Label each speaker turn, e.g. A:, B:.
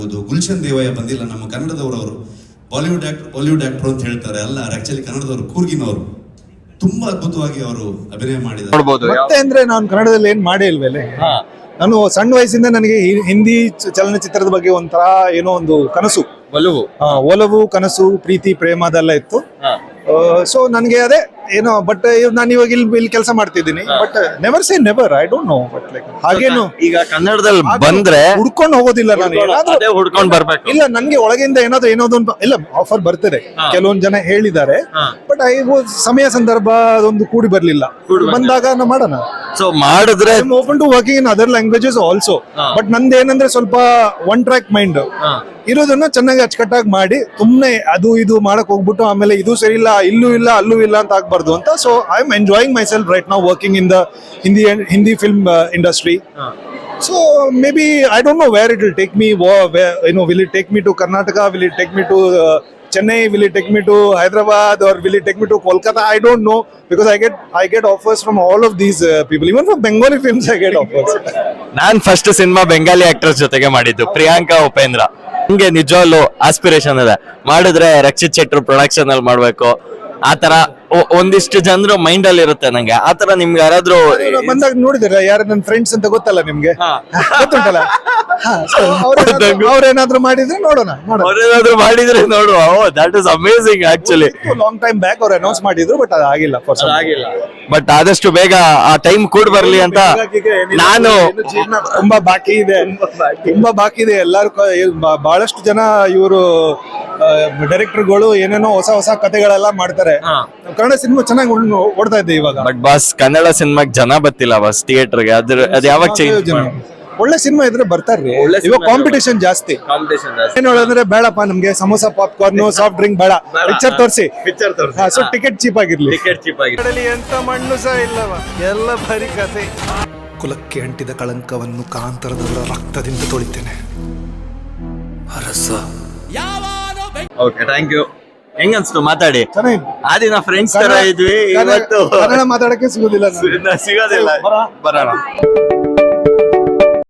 A: ಗುಲ್ಶನ್ ದೇವಯ್ಯ ಬಂದಿಲ್ಲ, ನಮ್ಮ ಕನ್ನಡದವರು. ಅವರು ಬಾಲಿವುಡ್ ಆಕ್ಟರ್ ಅಂತ ಹೇಳ್ತಾರೆ, ಅಲ್ಲ ಆಕ್ಚುಲಿ ಕನ್ನಡದವರು, ಕೂರ್ಗಿನವರು. ತುಂಬಾ ಅದ್ಭುತವಾಗಿ ಅವರು ಅಭಿನಯ ಮಾಡಿದ್ದಾರೆ.
B: ಮತ್ತೆ ಅಂದ್ರೆ ನಾನು ಕನ್ನಡದಲ್ಲಿ ಏನ್ ಮಾಡೇ ಇಲ್ವೇಲೆ. ನಾನು ಸಣ್ಣ ವಯಸ್ಸಿಂದ ನನಗೆ ಹಿಂದಿ ಚಲನಚಿತ್ರದ ಬಗ್ಗೆ ಒಂಥರ ಏನೋ ಒಂದು ಕನಸು, ಒಲವು ಕನಸು, ಪ್ರೀತಿ ಪ್ರೇಮ ಅದೆಲ್ಲ ಇತ್ತು. ಸೊ ನನಗೆ ಅದೇ ಏನೋ, ಬಟ್ ನಾನು ಇವಾಗ ಇಲ್ಲಿ ಕೆಲಸ ಮಾಡ್ತಿದ್ದೀನಿ. But never say never, I don't know. But like ಹಾಗೇನು
C: ಈಗ ಕನ್ನಡದಲ್ಲಿ ಬಂದ್ರೆ
B: ಹುಡ್ಕೊಂಡು ಹೋಗೋದಿಲ್ಲ ನಾನು.
C: ಹುಡ್ಕೊಂಡ್ ಬರ್ಬೇಕು.
B: ಇಲ್ಲ, ನನ್ಗೆ ಒಳಗಿಂದ ಏನೋದು ಒಂದು ಇಲ್ಲ ಆಫರ್ ಬರ್ತದೆ. ಕೆಲವೊಂದು ಜನ ಹೇಳಿದ್ದಾರೆ, ಬಟ್ ಸಮಯ ಸಂದರ್ಭ ಅದೊಂದು ಕೂಡಿ ಬರ್ಲಿಲ್ಲ. ಬಂದಾಗ ನಾವು ಮಾಡೋಣ.
C: ಸೊ ಮಾಡಿದ್ರೆ
B: open to working in other languages also. But ನಂದು ಏನಂದ್ರೆ ಸ್ವಲ್ಪ ಒನ್ ಟ್ರ್ಯಾಕ್ ಮೈಂಡ್ ಇರೋದನ್ನ ಚೆನ್ನಾಗಿ ಅಚ್ಚುಕಟ್ಟಾಗಿ ಮಾಡಿ, ಸುಮ್ನೆ ಅದು ಇದು ಮಾಡಕ್ ಹೋಗ್ಬಿಟ್ಟು ಆಮೇಲೆ ಇದು ಸರಿ ಇಲ್ಲ, ಇಲ್ಲೂ ಇಲ್ಲ ಅಲ್ಲೂ ಇಲ್ಲ ಅಂತ ಆಗ್ಬಾರ್ದು ಅಂತ. So I am enjoying myself right now working in the Hindi film industry. So maybe I don't know where it will take me. Will it take me to Karnataka? Will it take me to Chennai? Will it take me to Hyderabad? Or will it take me to Kolkata? I don't know, because I get offers from all of these people. Even from Bengali films I get offers.
C: ನಾನ್ first cinema Bengali actors ಜೊತೆಗೆ ಮಾಡಿದ್ದು, ಪ್ರಿಯಾಂಕಾ ಉಪೇಂದ್ರ. ನಿಮ್ಗೆ ನಿಜವಾಗ್ಲು aspiration ಇದೆ, ಮಾಡಿದ್ರೆ Rakshit Shettar production ಅಲ್ಲಿ ಮಾಡ್ಬೇಕು ಆತರ ಒಂದಿಷ್ಟು ಜನರು ಮೈಂಡ್ ಅಲ್ಲಿ ಇರುತ್ತೆ ನಂಗೆ. ಆತರ ನಿಮ್ಗೆ ಯಾರಾದ್ರೂ
B: ಬಂದಾಗ ನೋಡಿದಿರ, ಯಾರು ನನ್ನ ಫ್ರೆಂಡ್ಸ್ ಅಂತ ಗೊತ್ತಲ್ಲ ನಿಮ್ಗೆ, ಗೊತ್ತುಂಟಲ್ಲ. ಅವ್ರೇನಾದ್ರೂ ಮಾಡಿದ್ರೆ ನೋಡೋಣ.
C: ಅವ್ರೇನಾದ್ರೂ ಮಾಡಿದ್ರೆ ನೋಡುವ. That is amazing actually.
B: Long time back ಅವ್ರು ಅನೌನ್ಸ್ ಮಾಡಿದ್ರು, ಬಟ್ ಅದಾಗಿಲ್ಲ.
C: ಬಟ್ ಆದಷ್ಟು ಬೇಗ ಆ ಟೈಮ್ ಕೂಡ ಬರ್ಲಿ ಅಂತ ನಾನು.
B: ತುಂಬಾ ಬಾಕಿ ಇದೆ. ಎಲ್ಲಾರು ಬಹಳಷ್ಟು ಜನ ಇವರು ಡೈರೆಕ್ಟರ್ಗಳು ಏನೇನೋ ಹೊಸ ಕಥೆಗಳೆಲ್ಲ ಮಾಡ್ತಾರೆ. ಕನ್ನಡ ಸಿನಿಮಾ ಚೆನ್ನಾಗಿ ಓಡ್ತಾ ಇದೆ ಇವಾಗ.
C: ಬಟ್ ಬಾಸ್, ಕನ್ನಡ ಸಿನಿಮಾಗ್ ಜನ ಬತ್ತಿಲ್ಲ ಬಾಸ್ ಥಿಯೇಟರ್ಗೆ. ಅದ್ ಯಾವಾಗ ಚೇಂಜ್?
B: ಒಳ್ಳೆ ಸಿನಿಮಾ ಇದ್ರೆ ಬರ್ತಾರ್ರಿ. ಇವಾಗ ಕಾಂಪಿಟೇಷನ್ ಜಾಸ್ತಿ. ಏನ್ ಹೇಳೋದಂದ್ರೆ, ಬೇಡಪ್ಪ ನಮ್ಗೆ ಸಮೋಸ, ಪಾಪ್ಕಾರ್ನ್, ಸಾಫ್ಟ್ ಡ್ರಿಂಕ್ ಬೇಡ, ಪಿಕ್ಚರ್ ತೋರಿಸಿ. ಸೊ ಟಿಕೆಟ್ ಚೀಪ್ ಆಗಿರ್ಲಿ.
D: ಎಂತ ಮಣ್ಣು ಸಹ ಇಲ್ಲವ, ಎಲ್ಲ ಬರೀ ಕಥೆ. ಕುಲಕ್ಕೆ ಅಂಟಿದ ಕಳಂಕವನ್ನು ಕಾಂತರದವರ ರಕ್ತದಿಂದ ತೊಳಿತೇನೆ. ಅರಸ.
C: Okay, thank you. ಹೆಂಗ ಅನ್ಸ್ತು ಮಾತಾಡಿ?
B: ಚೆನ್ನಾಗಿದೆ.
C: ಆ ದಿನ ಫ್ರೆಂಡ್ಸ್ ತರ ಇದ್ವಿ, ಇವತ್ತು
B: ಕನ್ನಡ ಮಾತಾಡಕ್ಕೆ ಸಿಗೋದಿಲ್ಲ.
C: ಸಿಗೋದಿಲ್ಲ. ಬರೋಣ.